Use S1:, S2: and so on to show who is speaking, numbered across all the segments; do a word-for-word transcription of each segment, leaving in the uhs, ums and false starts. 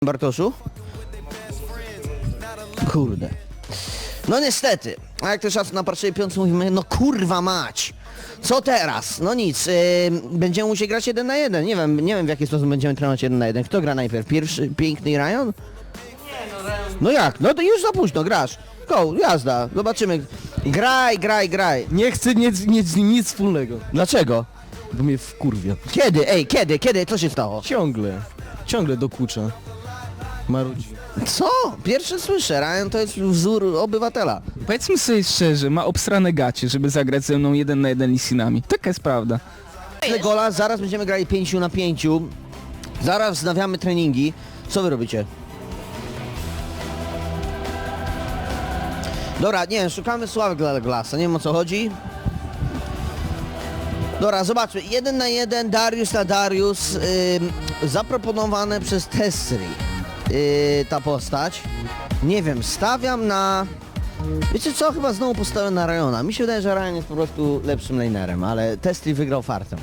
S1: Bartoszu? Kurde. No niestety, a jak to czas na pierwszej piątce mówimy, no kurwa mać! Co teraz? No nic, yy, będziemy musieli grać jeden na jeden. Nie wiem, nie wiem w jaki sposób będziemy trenować jeden na jeden. Kto gra najpierw? Pierwszy, piękny Ryan? No jak? No to już za późno, grasz. Go, jazda, zobaczymy. Graj, graj, graj.
S2: Nie chcę nic, nic, nic wspólnego,
S1: Dlaczego?
S2: bo mnie wkurwia.
S1: Kiedy? Ej, kiedy? Kiedy? Co się stało?
S2: Ciągle, ciągle dokucza. Marudzi.
S1: Co? Pierwsze słyszę, Ryan to jest wzór obywatela.
S3: Powiedzmy sobie szczerze, ma obsrane gacie, żeby zagrać ze mną jeden na jeden Lisinami. Taka jest prawda.
S1: Tyle gola, zaraz będziemy grali pięciu na pięciu. Zaraz wznawiamy treningi. Co wy robicie? Dobra, nie wiem, szukamy Sławek dla Glasa, nie wiem o co chodzi. Dobra, zobaczmy. Jeden na jeden, Darius na Darius. Yy, zaproponowane przez Testry yy, ta postać. Nie wiem, stawiam na... Wiecie co? Chyba znowu postawię na Ryana. Mi się wydaje, że Ryan jest po prostu lepszym lanerem, ale Testry wygrał fartem.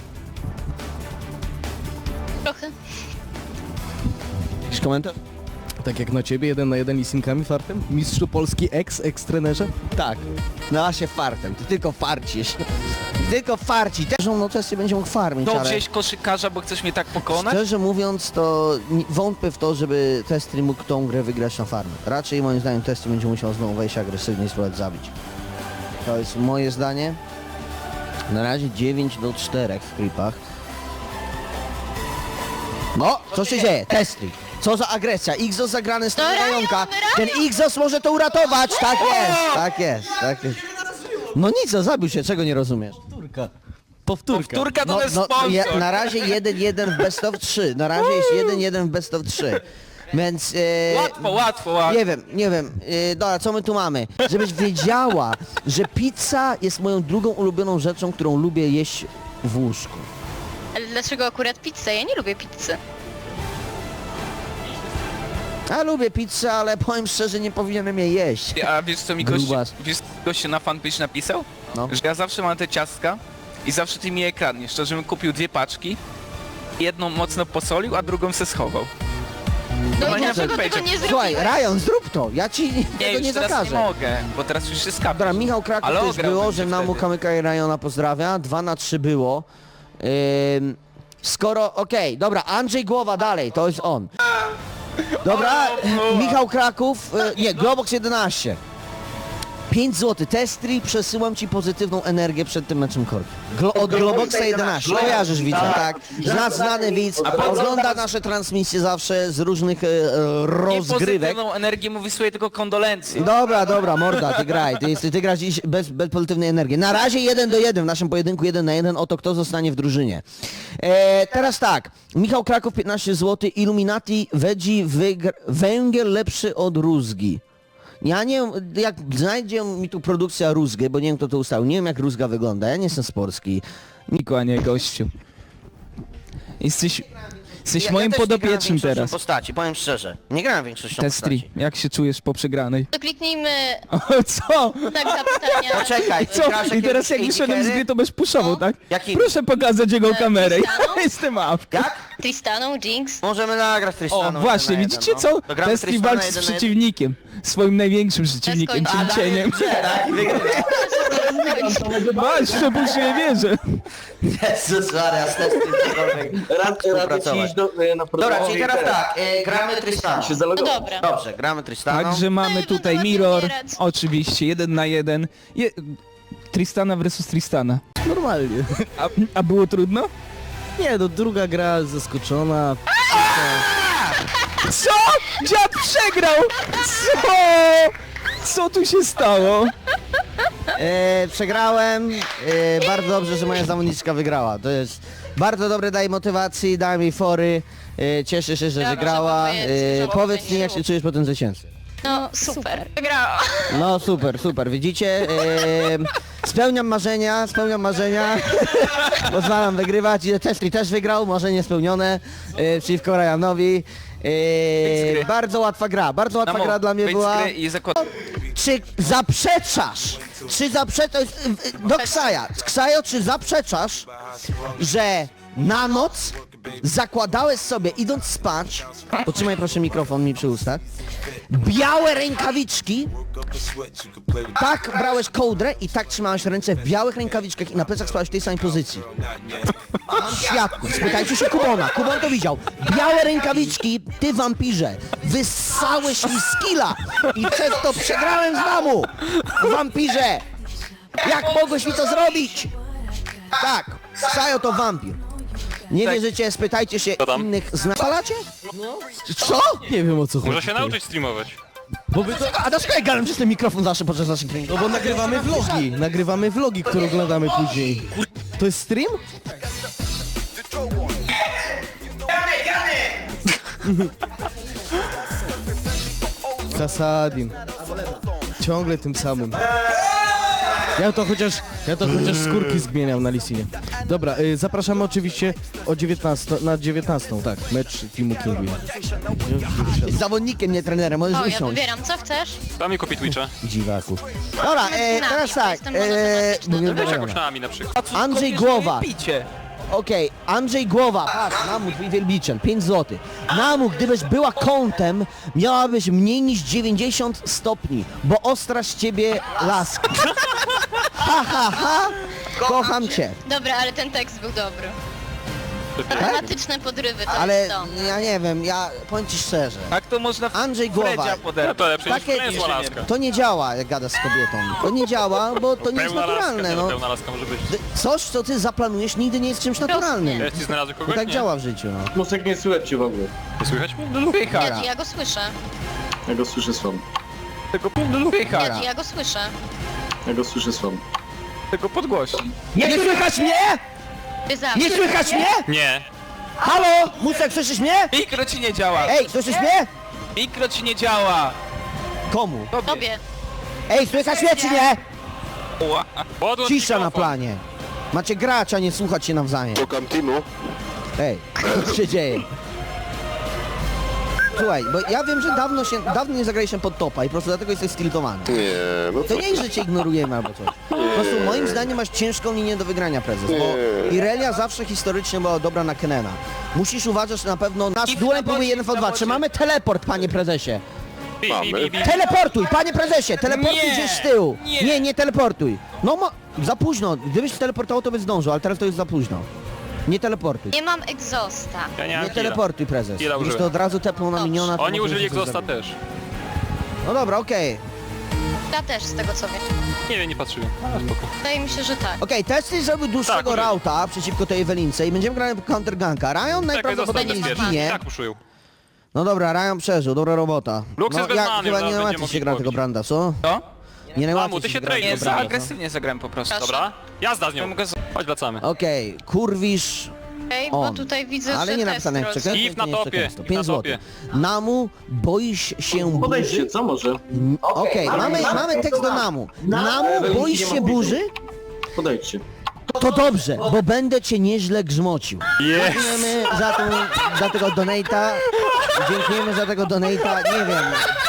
S4: Trochę.
S1: Jakiś komentarz?
S2: Tak jak na ciebie, jeden na jeden Lisinkami fartem? Mistrzu Polski ex, ex-trenerze?
S1: Tak. No się fartem, ty tylko farcisz. Ty tylko farci. Też no Testry będzie mógł farmić,
S3: To
S1: ale...
S3: wziąć koszykarza, bo chcesz mnie tak pokonać?
S1: Szczerze mówiąc, to ni- wątpię w to, żeby Testry mógł tą grę wygrać na farmie. Raczej moim zdaniem Testry będzie musiał znowu wejść agresywnie i spróbować zabić. To jest moje zdanie. Na razie dziewięć do czterech w creepach. No, co się dzieje? Testry. Co za agresja? Xos zagrany z
S4: No, Ryan,
S1: Rajonka.
S4: Ryan!
S1: Ten Xos może to uratować. Tak jest, tak jest, tak jest. No nic, no, zabił się, czego nie rozumiesz?
S2: Powtórka. Powtórka.
S3: Powtórka to jest sponsor.
S1: je, na razie jeden jeden w best of trzy. Na razie jest jeden jeden w best of trzy. Więc... E,
S3: Łatwo, łatwo, łatwo.
S1: Nie wiem, nie wiem. E, dobra, co my tu mamy? Żebyś wiedziała, że pizza jest moją drugą ulubioną rzeczą, którą lubię jeść w łóżku.
S4: Ale dlaczego akurat pizzę? Ja nie lubię pizzy.
S1: Ja lubię pizzę, ale powiem szczerze, nie powinienem jej jeść.
S3: A wiesz co mi gość,
S1: Grubas.
S3: wiesz, co gościu na fanpage napisał?
S1: No.
S3: Że ja zawsze mam te ciastka i zawsze ty mi je kradniesz. To, żebym kupił dwie paczki, jedną mocno posolił, a drugą se schował.
S4: No
S3: Chyba
S4: i
S3: nie
S4: dlaczego
S3: fanpage'a.
S4: tego nie
S1: Słuchaj,
S4: zrobiłeś?
S1: Ryan, zrób to. Ja ci
S3: Nie,
S1: tego
S3: już
S1: nie
S3: teraz
S1: zakażę.
S3: nie mogę, bo teraz już się skapię.
S1: Dobra, Michał Kraków
S3: Ale
S1: też
S3: ograł
S1: było,
S3: bym
S1: że
S3: się
S1: Namu
S3: wtedy.
S1: Kamyka i Ryana pozdrawia. Dwa na trzy było. Ym, skoro, okej, dobra, Andrzej Głowa dalej, to jest on. Dobra, Michał Kraków, y, nie, Globox jedenaście. pięć złotych. Testry, przesyłam ci pozytywną energię przed tym meczem korki. Glo od Globoxa jedenaście. Kojarzysz widza, tak? Zna, znany widz, ogląda nasze transmisje zawsze z różnych e,
S3: Nie
S1: rozgrywek.
S3: pozytywną energię mu wysłuję tylko kondolencje.
S1: Dobra, dobra, morda, ty graj. Ty, ty, ty grasz dziś bez, bez pozytywnej energii. Na razie jeden do jeden w naszym pojedynku jeden na jeden. Oto kto zostanie w drużynie. E, teraz tak. Michał Kraków piętnaście złotych. Illuminati Veggie wygr- węgiel lepszy od rózgi. Ja nie wiem, jak znajdzie mi tu produkcja rózgy, bo nie wiem kto to ustalił. Nie wiem jak rózga wygląda. Ja nie jestem z Polski.
S3: Niku, a nie gościu. Jesteś, jesteś
S1: Ja-
S3: moim
S1: ja też nie grałem
S3: podopiecznym
S1: większością
S3: teraz.
S1: postaci, powiem szczerze. Nie grałem większością
S3: Testry,
S1: postaci.
S3: jak się czujesz po przegranej?
S4: To kliknijmy
S3: O, co?
S4: tak zapytania.
S1: Poczekaj, ty
S3: Co?
S1: grasz
S3: I teraz jak
S1: jakieś
S3: wyszedłem z
S1: A D
S3: gry, to będziesz puszował,
S4: No.
S3: tak?
S1: Jakim?
S3: Proszę pokazać jego
S4: E,
S3: kamerę.
S4: Tristaną?
S3: Ja jestem awką.
S1: Jak?
S4: Tristaną, Jinx.
S1: Możemy nagrać
S3: O,
S1: Tristaną.
S3: właśnie,
S1: jeden na
S3: widzicie
S1: jeden,
S3: co?
S1: no. To gramy
S3: Testry
S1: Tristana
S3: walczy z
S1: jeden na jeden.
S3: przeciwnikiem. Swoim największym przeciwnikiem,
S4: Bez końca.
S3: czyli cieniem.
S1: Tak, wygrywa.
S3: Masz, to już nie wierzę.
S1: Jezus Maria, z testem cokolwiek współpracować. Dobra, czyli teraz tak, e, gramy Tristaną.
S4: No dobra.
S1: Dobrze, gramy Tristaną.
S3: Także mamy
S4: No i
S3: tutaj
S4: będę
S3: Mirror,
S4: ładnie umierać.
S3: oczywiście, jeden na jeden. Je... Tristana versus Tristana.
S2: Normalnie.
S3: A, a było trudno?
S2: Nie, no druga gra zaskoczona.
S3: Co? Dziad przegrał! Co? Co tu się stało?
S1: E, przegrałem, e, bardzo dobrze, że moja zawodniczka wygrała. To jest bardzo dobre, daje motywacji, daje mi fory. E, cieszę się, że
S4: Ja
S1: wygrała.
S4: muszę powiedzieć,
S1: E,
S4: że
S1: powiedz mi, jak
S4: było.
S1: się czujesz po tym zwycięstwie.
S4: No super. Wygrała.
S1: No super, super, widzicie? E, spełniam marzenia, spełniam marzenia. Pozwalam wygrywać. Testry też wygrał, marzenie spełnione e, przeciwko Ryanowi. E, bardzo łatwa gra, bardzo łatwa
S3: Namo,
S1: gra dla mnie
S3: wyjdź z
S1: była.
S3: gry i zakład...
S1: Czy zaprzeczasz, czy zaprzeczasz, do Ksaja, Ksajo, czy zaprzeczasz, że na noc zakładałeś sobie, idąc spać, potrzymaj proszę mikrofon mi przy ustach, białe rękawiczki, tak brałeś kołdrę i tak trzymałeś ręce w białych rękawiczkach i na plecach spałeś w tej samej pozycji. Mam świadków, spytajcie się Kubona, Kubon to widział. Białe rękawiczki, ty wampirze, wyssałeś mi skilla i przez to przegrałem z mamu. Wampirze, jak mogłeś mi to zrobić? Tak, Sajo to wampir. Nie wierzycie, spytajcie się
S5: tam?
S1: innych zna... Palacie? No. Co?
S2: Nie wiem o co chodzi.
S5: Może się nauczyć streamować.
S2: Bo wy to...
S1: A dlaczego ja gadam przez ten mikrofon zawsze podczas naszych treningów?
S2: No bo nagrywamy vlogi, nagrywamy vlogi, które oglądamy później. To jest stream? Kasadin. Ciągle tym samym. Ja to chociaż, ja to chociaż skórki zmieniam na Lisinie. Dobra, y, zapraszamy oczywiście o dziewiętnastą, na dziewiętnastą, tak, mecz Teamu Kinguin.
S1: Z zawodnikiem, nie trenerem, możesz
S4: O, ja
S1: usiąść.
S4: wybieram, co chcesz?
S5: Daj mi kupi Twitcha.
S1: Dziwaku. Dobra, e, teraz tak,
S4: Jestem
S1: e,
S4: monotematyczna,
S1: mówię
S5: Weź
S1: do
S5: jakąś na Ami na przykład.
S1: Andrzej Głowa.
S3: Picie.
S1: Okej, Andrzej Głowa, patrz, Namu, twój wielbiciel, pięć złotych. Namu, gdybyś była kątem, miałabyś mniej niż dziewięćdziesiąt stopni, bo ostra z ciebie laska. Ha, ha, ha, kocham cię.
S4: Dobra, ale ten tekst był dobry. Dramatyczne podrywy, to
S1: Ale
S4: jest to.
S1: ja nie wiem, ja powiem ci szczerze,
S3: Tak to można w
S1: Andrzej Głowa.
S3: Fredzia
S5: No
S3: poderwać.
S5: to lepsze niż
S1: Takie-
S5: pełna laska.
S1: to nie działa, jak gadasz z kobietą. To nie działa, bo to nie jest
S5: Pełna laska,
S1: naturalne,
S5: nie,
S1: no.
S5: pełna laska może być.
S1: Coś, co ty zaplanujesz, nigdy nie jest czymś naturalnym.
S5: Ja ci znalazłem
S1: To
S5: kogoś?
S1: tak
S5: Nie.
S1: działa w życiu, no.
S6: Musek nie słychać cię w ogóle.
S5: Nie słychać mnie?
S3: Pycha.
S4: Ja, ja go słyszę.
S6: Ja go słyszę słabo.
S3: Tego pycha.
S4: Ja, ja go słyszę.
S6: Ja go słyszę słabo.
S3: Tego podgłośni.
S1: Nie słychać mnie?
S4: Ty zawsze.
S1: Nie słychać mnie?
S5: Nie.
S1: Halo? Musek, słyszysz mnie?
S3: Mikro ci nie działa.
S1: Ej, słyszysz mnie?
S3: Mikro ci nie działa.
S1: Komu?
S4: Tobie.
S1: Ej, słychać mnie czy nie?
S3: Ła.
S5: Podłącz
S1: Cisza na
S5: mikrofon.
S1: planie. Macie grać, a nie słuchać się nawzajem.
S6: Szukam teamu.
S1: Ej, co się dzieje? Słuchaj, bo ja wiem, że dawno się, dawno nie zagraliśmy pod topa i po prostu dlatego jesteś stiltowany.
S6: Nie, no
S1: To nie jest, że cię ignorujemy albo coś. Po prostu moim zdaniem masz ciężką linię do wygrania, prezes, bo Irelia zawsze historycznie była dobra na Kenena. Musisz uważać na pewno, nasz
S3: I w
S1: duel
S3: nabocie,
S1: próbuje jeden
S3: w
S1: v dwa.
S3: nabocie.
S1: Czy mamy teleport, panie prezesie?
S5: Bi, bi, bi, bi.
S1: Teleportuj, panie prezesie, teleportuj
S3: Nie,
S1: gdzieś z tyłu.
S3: nie.
S1: Nie, nie teleportuj. No mo... za późno. Gdybyś teleportował, to by zdążył, ale teraz to jest za późno. Nie teleportuj.
S4: Nie mam egzosta.
S5: Ja nie
S1: Nie
S5: mam killa.
S1: teleportuj, prezes.
S5: Killa
S1: Gdybyś
S5: użyłem.
S1: to od razu tepnął na
S4: Dobrze.
S1: miniona, to
S5: Oni
S1: może
S5: użyli
S1: się coś
S5: egzosta
S1: zrobić.
S5: też.
S1: No dobra, okej.
S4: Ja też, z tego co wiem.
S5: Nie wiem, nie patrzyłem. Ale spoko.
S4: Wydaje mi się, że tak.
S1: Okej, testy zrobił dłuższego
S5: Tak, użyli.
S1: rauta przeciwko tej Ewelince i będziemy grali counterganka. Ryan
S5: Czekaj, zostań
S1: najprawdopodobniej
S5: bezpieczny.
S1: zginie.
S5: Tak uszył.
S1: No dobra, Ryan przeżył, dobra robota.
S5: Lux
S1: no,
S5: jest bez
S1: ja
S5: many,
S1: chyba
S5: zaraz
S1: nie
S5: będzie
S1: najłatwiej
S5: mógł
S1: się gra
S5: ich
S1: tego
S5: pobić.
S1: Branda, co?
S3: Co?
S1: Nie najłatwiej
S5: Mamu, ty się
S1: gra
S5: trade
S1: tego
S3: Nie, za
S1: Branda, co?
S3: agresywnie zagrałem po prostu.
S5: Dobra? Jazda z nią.
S3: Ja mogę z-
S5: Chodź, wracamy.
S1: Okej, kurwisz
S4: Okej, bo
S1: on.
S4: tutaj widzę,
S1: Ale
S4: że
S1: nie napisane jak
S4: test
S1: przekleństwo.
S5: If na
S1: nie jest
S5: topie,
S1: przekleństwo.
S5: if
S1: pięć
S5: na
S1: złotych.
S5: topie.
S1: Namu, boisz się
S6: Podejdźcie,
S1: burzy?
S6: co może?
S1: Okej, mamy, mamy tekst do Namu. Namu, boisz się burzy?
S6: Podejdźcie.
S1: To dobrze, bo będę cię nieźle grzmocił.
S5: Jest!
S1: Dziękujemy za, tą, za tego donata. Dziękujemy za tego donata. Nie wiem.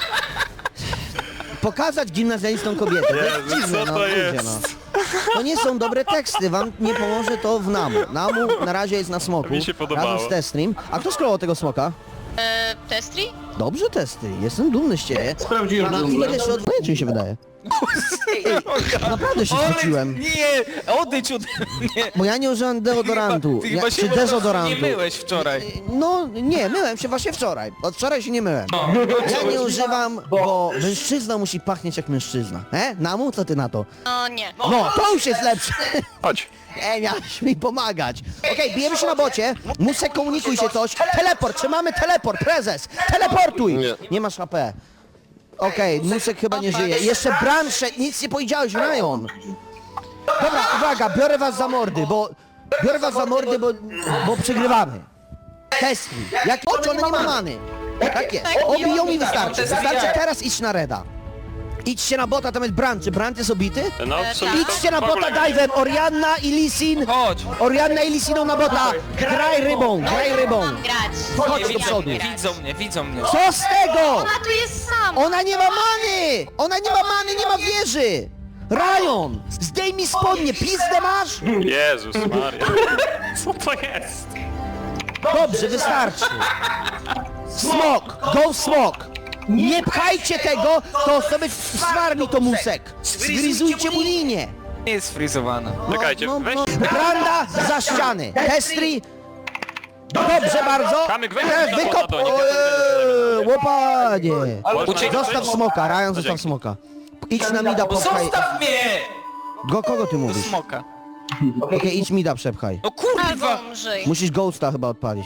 S1: Pokazać gimnazjalistom kobietę. To jest
S5: Jezu,
S1: dziwne,
S5: co
S1: no,
S5: to
S1: ludzie,
S5: jest?
S1: no. To nie są dobre teksty, wam nie pomoże to w Namu. Namu na razie jest na smoku.
S5: Mi się podobało.
S1: Razem z Testream. A kto scrollował tego smoka?
S4: E, Testri?
S1: Dobrze testy, jestem dumny z ciebie.
S6: Sprawdziłem
S1: Na ile
S6: dżunglę.
S1: jeszcze od... czy mi się wydaje? Naprawdę się zwróciłem.
S3: Nie, odejdź ode mnie.
S1: Bo ja nie użyłem deodorantu.
S3: Ty
S1: Ja,
S3: chyba się
S1: czy
S3: po prostu
S1: dezodorantu.
S3: nie myłeś wczoraj.
S1: No nie, myłem się właśnie wczoraj. Od wczoraj się nie myłem. Ja nie używam, bo mężczyzna musi pachnieć jak mężczyzna. E? Namu, co ty na to?
S4: O nie.
S1: No, to już jest lepsze.
S5: Chodź.
S1: Ej, miałeś mi pomagać. Okej, bijemy się na bocie. Musek, komunikuj się coś. Teleport, czy mamy teleport? Prezes, teleportuj.
S6: Nie.
S1: Nie masz H P. Okej, Musek chyba nie żyje. Jeszcze Bransze, nic nie powiedziałeś, Ryan. Dobra, uwaga, biorę was za mordy, bo... Biorę was za mordy, bo, bo przegrywamy. Testy. Jak oczy, ona nie ma many. Tak jest. Obiją mi wystarczy. Wystarczy teraz iść na Reda. Idźcie na bota, tam jest Brand. Czy Brand jest obity?
S5: No,
S4: E,
S5: sobie
S4: tak.
S5: to
S1: Idźcie na
S5: w ogóle
S1: bota
S5: nie.
S1: dive'em, Orianna i Lisin.
S3: Chodź.
S1: Orianna i Lisiną na bota. Graj rybą, graj rybą.
S4: Mam grać.
S1: Chodź
S3: Nie,
S1: do
S3: widzą
S1: przodu.
S3: mnie, widzą mnie, widzą mnie.
S1: Co z tego?
S4: Ona tu jest sam.
S1: Ona nie ma many! Ona nie ma many, nie ma wieży! Ryan! Zdejmij spodnie, pizdę masz?
S5: Jezus Maria. Co to jest?
S1: Dobrze, wystarczy. Smok, go smok. Nie pchajcie tego, to sobie swarmi to musek. Zgryzujcie mu linię.
S3: Nie jest frizowana.
S5: Czekajcie, weź.
S1: Branda za ściany. Testri. Dobrze bardzo.
S5: Kamyk, weź
S1: E,
S5: na
S1: Wykop.
S5: to, nie
S1: Eee, Łopanie.
S5: Uciekaj.
S1: Zostaw smoka, Ryan, zostaw smoka. Idź na mida, popchaj.
S3: Zostaw mnie!
S1: Go, kogo ty
S3: Do
S1: mówisz?
S3: smoka.
S1: Okej, idź mida, przepchaj.
S3: No kurwa!
S4: Albo umrzyj.
S1: Musisz Ghosta chyba odpalić.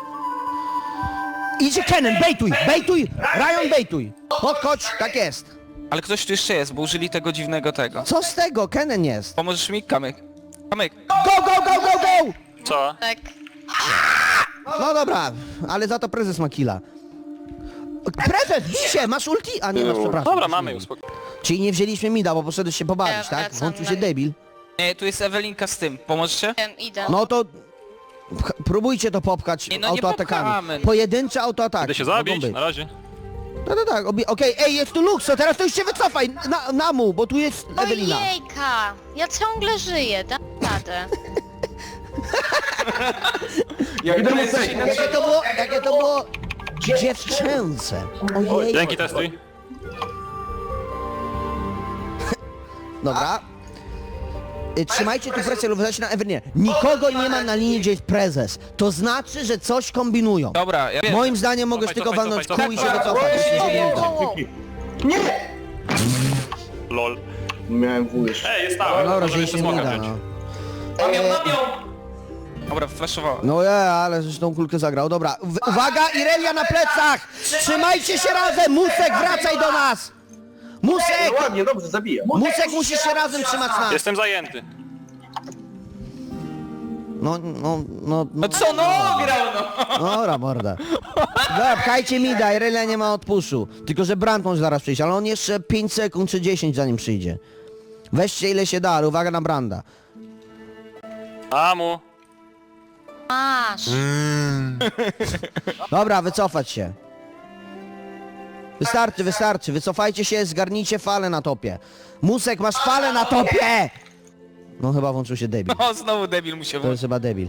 S1: Idzie Kennen, bejtuj, bejtuj! Ryan, bejtuj! Podchodź, tak jest.
S3: Ale ktoś tu jeszcze jest, bo użyli tego dziwnego tego.
S1: Co z tego? Kennen jest.
S3: Pomożesz mi? Kamyk. Kamyk.
S1: Go, go, go, go, go!
S5: Co?
S4: Tak.
S1: No dobra, ale za to prezes ma killa. Prezes, bij się, masz ulti? A nie masz, przepraszam.
S5: Dobra, mamy już spokój.
S1: Czyli nie wzięliśmy mida, bo poszedłeś się pobawić,
S4: Ja
S1: tak?
S4: wracam
S1: Włączył
S4: na-
S1: się debil.
S3: Nie, tu jest Ewelinka z tym. Pomożecie?
S4: Wiem, idę.
S1: No to... pch- Próbujcie to popchać
S3: Nie, no nie popchamy.
S1: autoatakami. Pojedyncze autoataki.
S5: Idę się
S1: mogą
S5: zabić,
S1: być.
S5: na razie.
S1: No to tak, obie- okej, ej, jest tu Luxo, teraz to już się wycofaj, na, na mu, bo tu jest Ewelina.
S4: Ojejka! Ja ciągle żyję, dam radę.
S3: Jak to
S1: Jakie to było, jakie to było dziewczęce. Ojej.
S5: Dzięki, testuj.
S1: Dobra. Y, Trzymajcie tu presję lub wydać na Ewelinę. Nikogo nie ma na linii, gdzie jest prezes. To znaczy, że coś kombinują.
S3: Dobra, ja wiem.
S1: Moim zdaniem mogłeś
S5: Cofaj,
S1: tylko
S5: cofaj,
S1: walnąć
S5: cofaj,
S1: kół i się
S5: cofaj.
S1: wycofać. jeśli się nie uda.
S5: Lol.
S6: Miałem w już.
S5: Ej, jest stała.
S1: No
S5: Możemy
S1: rozumiem
S5: jeszcze
S1: się nie
S5: smoka
S1: da,
S5: wziąć.
S1: no.
S3: Dobra, flashowała.
S1: No ja, ale żeś tą kulkę zagrał. Dobra, w- uwaga, Irelia na plecach! Trzymajcie się razem! Musek, wracaj do nas! Musek!
S6: Ładnie, dobrze, zabijam.
S1: Musek, musisz się razem trzymać nas!
S5: Jestem zajęty.
S1: No, no, no, no.
S3: No co, no grał no!
S1: Dobra, morda. Dobra, pchajcie mida, Irelia nie ma odpuszu. Tylko, że Brand może zaraz przyjść, ale on jeszcze pięć sekund czy dziesięć zanim przyjdzie. Weźcie ile się da, ale uwaga na Branda.
S5: Amu.
S4: Masz.
S1: Dobra, wycofać się. Wystarczy, wystarczy, wycofajcie się, zgarnijcie falę na topie. Musek, masz falę na topie! No chyba włączył się debil.
S3: No znowu debil mu się
S1: To
S3: włączył.
S1: jest chyba debil.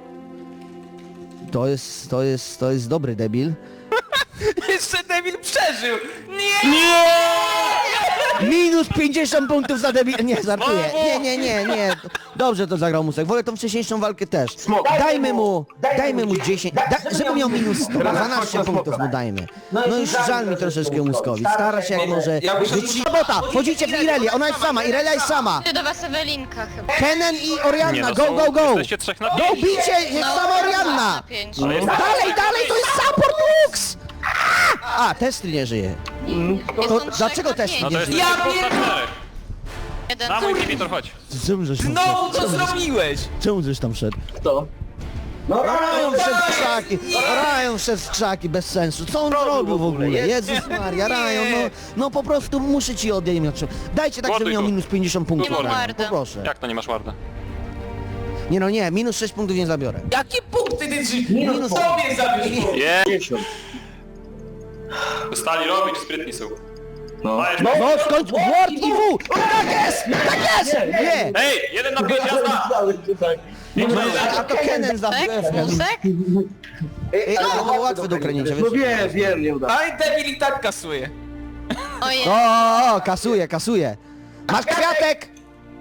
S1: To jest, to jest, to jest dobry debil.
S3: Jeszcze debil przeżył! Nie!
S1: Minus pięćdziesiąt punktów za debil... Nie, żartuję. Nie, nie, nie, nie. Dobrze to zagrał Musek. Wolę tą wcześniejszą walkę też. Dajmy mu, dajmy mu dziesięć, da, żeby miał minus sto, dwanaście punktów mu dajmy. No już żal mi troszeczkę Muskowi. Stara się jak może... Wyci... Robota, wchodzicie w Irelię, ona jest sama, Irelia jest sama.
S4: Ty do was Ewelinka chyba.
S1: Kennen i
S5: Nie,
S1: Orianna,
S5: no
S1: go,
S5: są-
S1: go, go!
S5: Jesteście trzech na
S1: Go,
S5: pięć.
S1: bicie, jest sama Orianna!
S4: Na pięć.
S5: Ale jest-
S1: Dalej, dalej, to jest support Lux! A, Testry nie żyje.
S4: To,
S1: To dlaczego też
S5: No
S1: nie
S5: to jest
S1: żyje?
S3: Ja
S5: ja
S3: pierdolę!
S4: Jeden.
S5: Na mój inhibitor, chodź.
S1: Czemu żeś tam
S3: Znowu
S1: wszedł?
S3: to zrobiłeś!
S1: Czemu żeś tam wszedł?
S6: Kto?
S1: Ryan wszedł w krzaki, Ryan wszedł w krzaki, bez sensu. Co on zrobił w ogóle? Jezus Maria, Ryan, no, no po prostu muszę ci odejmować. Dajcie tak, żeby
S5: Morduj
S1: miał
S5: tu.
S1: minus pięćdziesiąt punktów,
S5: morduj.
S1: Ryan,
S4: Mordę.
S1: poproszę.
S5: Jak to nie masz warda?
S1: Nie no nie, minus sześć punktów nie zabiorę.
S3: Jakie punkty ty drzy...
S1: Minus...
S3: Sobie zabierz!
S5: Je.
S6: dziesięć.
S5: Stali robić, sprytni są.
S6: No.
S5: Dajesz-
S1: No skończ, Ward i W! Tak jest, tak jest! Nie!
S5: Ej, jeden na pięć, jazda!
S1: A to Kennen zabił
S4: Tak?
S1: F.
S4: Musek?
S1: Ej, ale to było łatwe do kręcienia,
S6: No
S1: wiesz?
S6: wiem, wiem, nie uda.
S3: Ale debil i tak kasuje.
S4: Ojej.
S1: O, o, o, kasuje, kasuje. Masz kwiatek!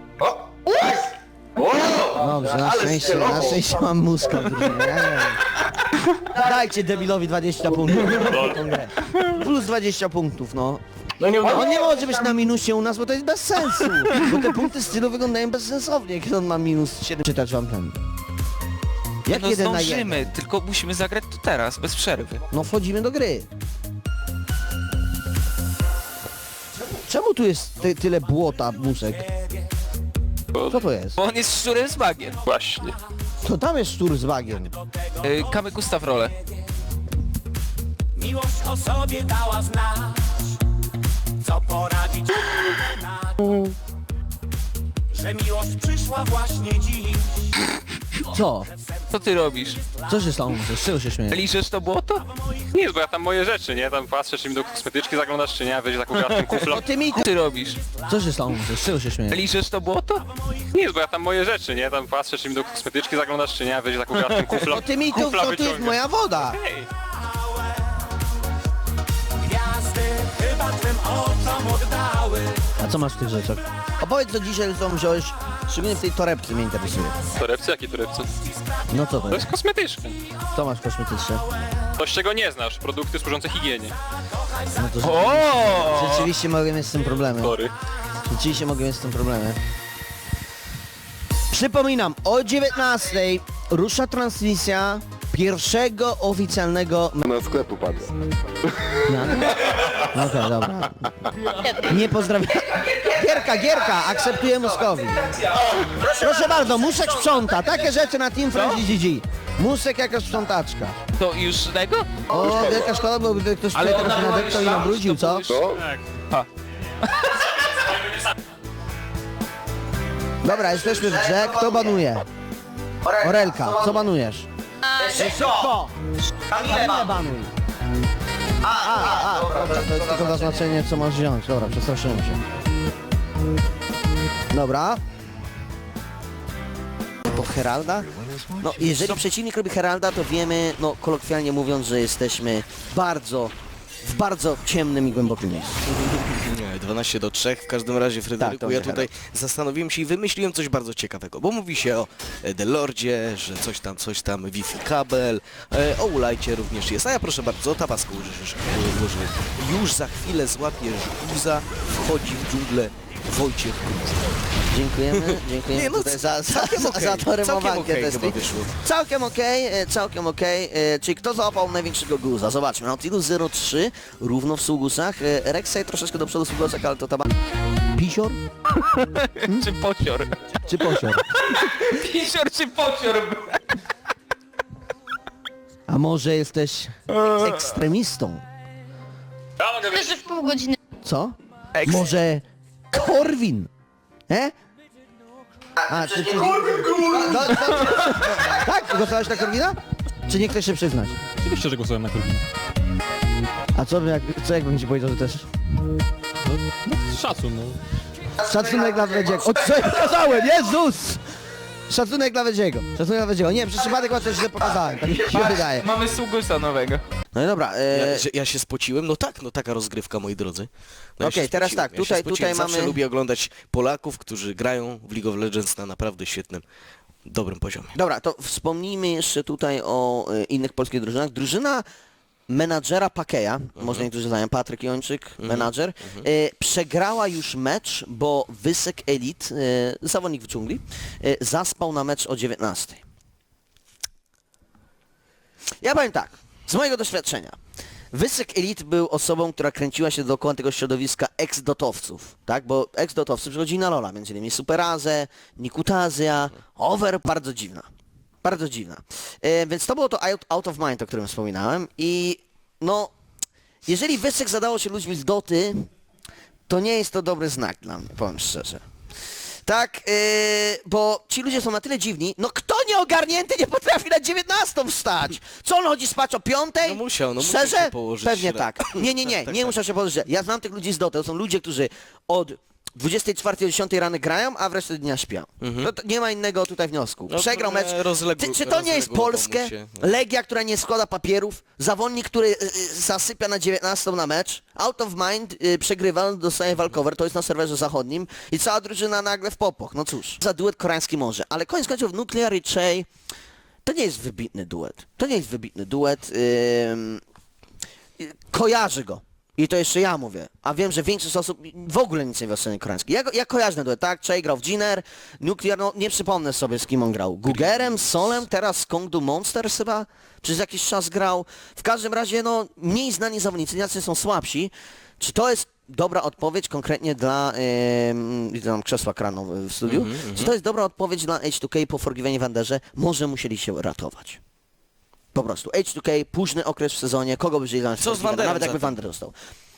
S1: Dobrze, na szczęście, na szczęście mam muska w drużynie, ja nie wiem. Dajcie debilowi dwadzieścia punktów. Tą grę. Plus dwadzieścia punktów, no.
S6: No nie uda.
S1: On nie może być na minusie u nas, bo to jest bez sensu. Bo te punkty stylu wyglądają bezsensownie, kiedy on ma minus siedem. Czytać wam ten. Jak
S3: No
S1: jeden na jeden?
S3: zdążymy, tylko musimy zagrać to teraz, bez przerwy.
S1: No wchodzimy do gry. Czemu tu jest ty, tyle błota, Musek? Co to jest?
S3: Bo on jest szczurem z bagiem.
S5: Właśnie.
S1: To tam jest sztur z bagiem.
S3: Yy, Kamyk, ustaw rolę.
S7: Miłość o sobie dała znać, co poradzić. że miłość przyszła właśnie dziś.
S1: Co?
S3: Co ty robisz?
S1: Co się stało? Z czego się śmieje?
S3: Liżesz to błoto?
S5: Nic, bo ja tam moje rzeczy, nie? Tam patrzę, czy mi do kosmetyczki zaglądasz, czy nie? Weź taką gratką kufla.
S1: O ty mi
S3: Co ty robisz?
S1: Co się stało? Z czego się śmieje?
S3: Liżesz to błoto?
S5: Nic, bo ja tam moje rzeczy, nie? Tam patrzę, czy mi do kosmetyczki zaglądasz, czy nie? Weź taką gratką kufla.
S1: O ty mi to,
S5: kufla
S1: to, to jest
S5: wyciągę.
S1: moja woda.
S5: Hej.
S7: Gwiazdy chyba twym oczom oddały.
S1: A co masz w tych rzeczach? Opowiedz co dzisiaj co wziąłeś, szczególnie w tej torebce mnie interesuje.
S5: Torebce? Jakie torebce?
S1: No co to
S5: To
S1: jest?
S5: jest kosmetyczka.
S1: Co masz kosmetyczne?
S5: Coś, czego nie znasz. Produkty służące higienie.
S1: No to
S3: O!
S1: rzeczywiście mogę mieć z tym problemy.
S5: Tory.
S1: Rzeczywiście mogę mieć z tym problemy. Przypominam, o dziewiętnastej rusza transmisja pierwszego oficjalnego...
S8: Na sklepu padła.
S1: No okej, dobra. Nie pozdrawiam. Gierka, Gierka, akceptuję Moskowi. Proszę bardzo, Musek sprząta. Takie rzeczy na Team Friendly G G. Musek jaka sprzątaczka.
S3: To już tego?
S1: O, wielka szkoda, bo gdyby ktoś tutaj teraz nadeptał i nabrudził, co?
S8: Co?
S1: Dobra, jesteśmy w grze. Kto banuje? Orelka, co banujesz? Szybko! Kamilę banuj. A, a, a, dobra, to jest tylko zaznaczenie, co masz wziąć. Dobra, przestraszyłem się. Dobra. Po Heralda? No, jeżeli przeciwnik robi Heralda, to wiemy, no, kolokwialnie mówiąc, że jesteśmy bardzo, w bardzo ciemnym i głębokim miejscu.
S2: Nie, dwanaście do trzech. W każdym razie, Fryderyku,
S1: Tak,
S2: ja
S1: dobrze,
S2: tutaj zastanowiłem się i wymyśliłem coś bardzo ciekawego, bo mówi się o e, The Lordzie, że coś tam, coś tam, Wi-Fi kabel, e, o Ulajcie również jest, a ja proszę bardzo, tabasco użyjesz, użyjesz. Już za chwilę złapiesz guza, wchodzi w dżunglę Wojciech Gruz.
S1: Dziękujemy, dziękujemy
S2: Nie, no,
S1: tutaj za, za,
S2: całkiem
S1: za,
S2: okej,
S1: za to
S2: całkiem
S1: rymowankę
S2: okej
S1: testy.
S2: chyba wyszło.
S1: Całkiem okej, e, całkiem okej. E, Czyli kto załapał największego guza? Zobaczmy, Nautilus zero trzy, równo w sługusach. E, Rek'Sai troszeczkę do przodu w sługusach, ale to tam... Pisior?
S3: Czy pocior?
S1: Czy posior?
S3: Pisior czy pocior?
S1: A może jesteś ekstremistą?
S5: Ja mogę
S4: Myślę, że w pół godziny.
S1: Co? Może Korwin? E? A, czy, czy... No, no, tak? Głosowałeś na Korwina? Czy nie chcesz się przyznać?
S9: Oczywiście, że głosowałem na Korwina.
S1: A co, by jak, co jakbym ci powiedział, że też...
S9: Szacun, no.
S1: Szacunek dla Wedziego. O, co ja pokazałem? Jezus! Szacunek dla Wedziego. Szacunek dla Wedziego. Nie, przez przypadek chyba coś źle pokazałem. Tak mi się wydaje.
S3: Mamy sługusa nowego.
S1: No i dobra.
S2: Ja,
S1: E...
S2: że ja się spociłem? No tak, no taka rozgrywka, moi drodzy. No ja
S1: Okej,
S2: się
S1: teraz
S2: spociłem,
S1: tak,
S2: ja się
S1: tutaj-
S2: spociłem.
S1: tutaj
S2: Zawsze
S1: mamy-
S2: lubię oglądać Polaków, którzy grają w League of Legends na naprawdę świetnym, dobrym poziomie.
S1: Dobra, to wspomnijmy jeszcze tutaj o e, innych polskich drużynach. Drużyna menadżera Pakeja,
S2: Mhm.
S1: może niektórzy znają, Patryk Jończyk, menadżer, e, przegrała już mecz, bo Wysek Elite, e, zawodnik w dżungli, e, zaspał na mecz o dziewiętnastej. Ja powiem tak, z mojego doświadczenia, Wysek Elite był osobą, która kręciła się dookoła tego środowiska ex-dotowców, tak? Bo ex-dotowcy przychodzili na Lola, między innymi Superazę, Nikutazja, Over, bardzo dziwna. Bardzo dziwna. E, więc to było to out, out of mind, o którym wspominałem i no, jeżeli Wysek zadało się ludźmi z doty, to nie jest to dobry znak dla mnie, powiem szczerze. Tak, yy, bo ci ludzie są na tyle dziwni, no kto nieogarnięty nie potrafi na dziewiętnastą wstać? Co on chodzi spać o piątej?
S2: No musiał, no musiał
S1: Szczerze?
S2: się położyć
S1: Pewnie
S2: źle.
S1: tak. Nie, nie, nie,
S2: Tak,
S1: nie
S2: tak.
S1: muszę się położyć. Ja znam tych ludzi z doty, to są ludzie, którzy od dwudziestej czwartej do dziesiątej rany grają, a w resztę dnia śpią. No to nie ma innego tutaj wniosku.
S2: No,
S1: Przegrał
S2: trochę
S1: mecz.
S2: rozległ-
S1: Czy, czy to nie jest
S2: rozległował mu
S1: Polskę?
S2: się, no.
S1: Legia, która nie składa papierów, zawodnik, który y, y, zasypia na dziewiętnastą na mecz, out of mind, y, przegrywa, dostaje walkover, to jest na serwerze zachodnim i cała drużyna nagle w popoch. No cóż, za duet koreański może, ale koniec końców Nuclear i Chey to nie jest wybitny duet. To nie jest wybitny duet. Ym, y, kojarzy go. I to jeszcze ja mówię, a wiem, że większość osób w ogóle nic nie wie o scenie koreańskiej. Ja, go- ja kojarzę ten duet, tak? Chey grał w Jiner, Nuclear, no nie przypomnę sobie z kim on grał. Gugerem, Solem, teraz z Kongdu Monsters chyba przez jakiś czas grał. W każdym razie, no mniej znani zawodnicy, jacy są słabsi. Czy to jest dobra odpowiedź konkretnie dla... Yy, widzę tam krzesła krano w studiu. Czy to jest dobra odpowiedź dla H dwa K po Forgiven Wanderze? Może musieli się ratować. Po prostu. H dwa K, późny okres w sezonie, kogo by wzięli na
S2: Co z Wanderem
S1: nawet jakby
S2: zatem?
S1: Wander dostał.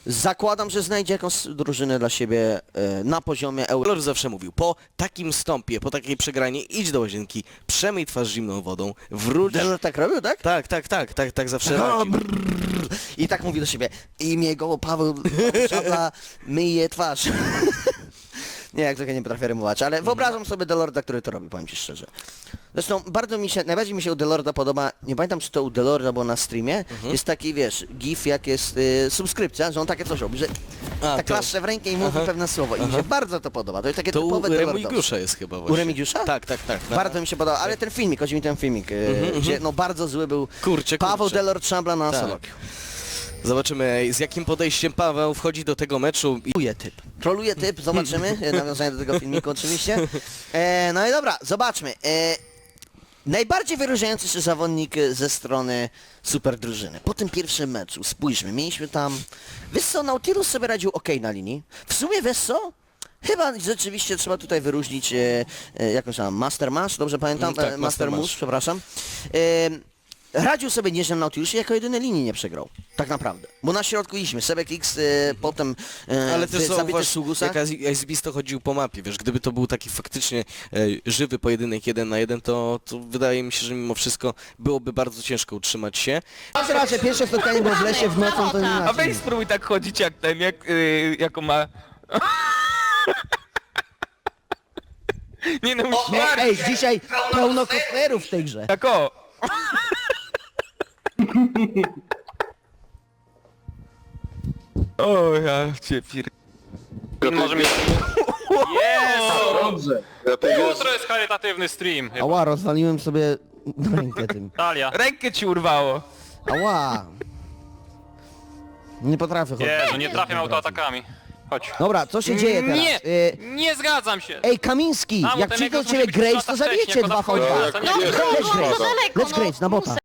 S1: zakładam, że znajdzie jakąś drużynę dla siebie e, na poziomie euro.
S2: Lor zawsze mówił, po takim stąpie, po takiej przegranie idź do łazienki, przemyj twarz zimną wodą, wróć...
S1: Delor tak robił, tak?
S2: Tak, tak, tak, tak, tak zawsze
S1: O,
S2: radził.
S1: brrr. I tak mówi do siebie, imię go Paweł Szabla myje twarz. Nie, jak trochę nie potrafię rymować, ale wyobrażam sobie Delorda, który to robi, powiem ci szczerze. Zresztą bardzo mi się, najbardziej mi się u Delorda podoba, nie pamiętam czy to u Delorda było na streamie, jest taki, wiesz, gif jak jest y, subskrypcja, że on takie coś robi, że
S2: A,
S1: tak
S2: to-
S1: klaszcze w rękę i mówi pewne słowo i mi się bardzo to podoba, to jest takie
S2: To u
S1: typowe Delordowskie.
S2: Remigiusza jest chyba właśnie.
S1: U Remigiusza?
S2: Tak, tak, tak. tak.
S1: Bardzo mi się podoba, ale ten filmik, chodzi mi ten filmik, y, gdzie no bardzo zły był
S2: Kurczę,
S1: Paweł
S2: kurczę.
S1: Delord Szambla na
S2: Tak.
S1: Solokiu.
S2: Zobaczymy, z jakim podejściem Paweł wchodzi do tego meczu. I...
S1: Troluje typ. Troluje typ, zobaczymy. e, Nawiązanie do tego filmiku oczywiście. E, no i dobra, zobaczmy. E, najbardziej wyróżniający się zawodnik e, ze strony super drużyny. Po tym pierwszym meczu, spójrzmy, mieliśmy tam... Wesso, Nautilus sobie radził ok na linii. W sumie Wesso... Chyba rzeczywiście trzeba tutaj wyróżnić e, e, jakąś tam Master Mash, dobrze pamiętam?
S2: Mm, tak,
S1: E, Master
S2: Master
S1: Mush,
S2: Mash.
S1: przepraszam. E, Radził sobie nieźle Nautilus i jako jedyny linii nie przegrał. Tak naprawdę. Bo na środku iśmy. Sebek X, e, potem e,
S2: Ale też
S1: zabity
S2: zauważ,
S1: Sugusa.
S2: jak Aizbisto chodził po mapie, wiesz, gdyby to był taki faktycznie e, żywy pojedynek jeden na jeden, to, to wydaje mi się, że mimo wszystko byłoby bardzo ciężko utrzymać się.
S1: Raz, raz, że pierwsze spotkanie było w lesie w nocą, to nie
S3: A
S1: inaczej.
S3: weź spróbuj tak chodzić jak ten, jak, yy, jako ma... Nie no,
S1: Nie,
S3: musisz
S1: ej, dzisiaj pełno cosplayerów w tej grze.
S3: tak o! O, ja cię pier...
S5: Może mieć... Jest!
S6: Dobrze.
S5: Jutro jest charytatywny stream. chyba.
S1: Ała, rozwaliłem sobie rękę tym.
S5: Talia.
S3: Rękę ci urwało.
S1: Ała. Nie potrafię chodzić.
S5: Jezu, nie trafiam autoatakami. Chodź.
S1: Dobra, co się dzieje teraz?
S5: Nie,
S1: Y,
S5: nie zgadzam się.
S1: Ej, Kamiński,
S5: A, bo
S1: jak
S5: ten
S1: przyjdą
S5: Eagles
S1: ciebie
S5: musi być
S1: Grace,
S5: lata
S1: to
S5: wcześniej,
S1: zabijecie
S5: jako
S1: dwa v
S5: na
S1: dwa.
S5: wchodzie.
S4: No,
S5: Nie,
S4: to
S1: Let's
S4: było
S1: Grace,
S4: za daleko,
S1: let's
S4: no.
S1: Grace, na bota.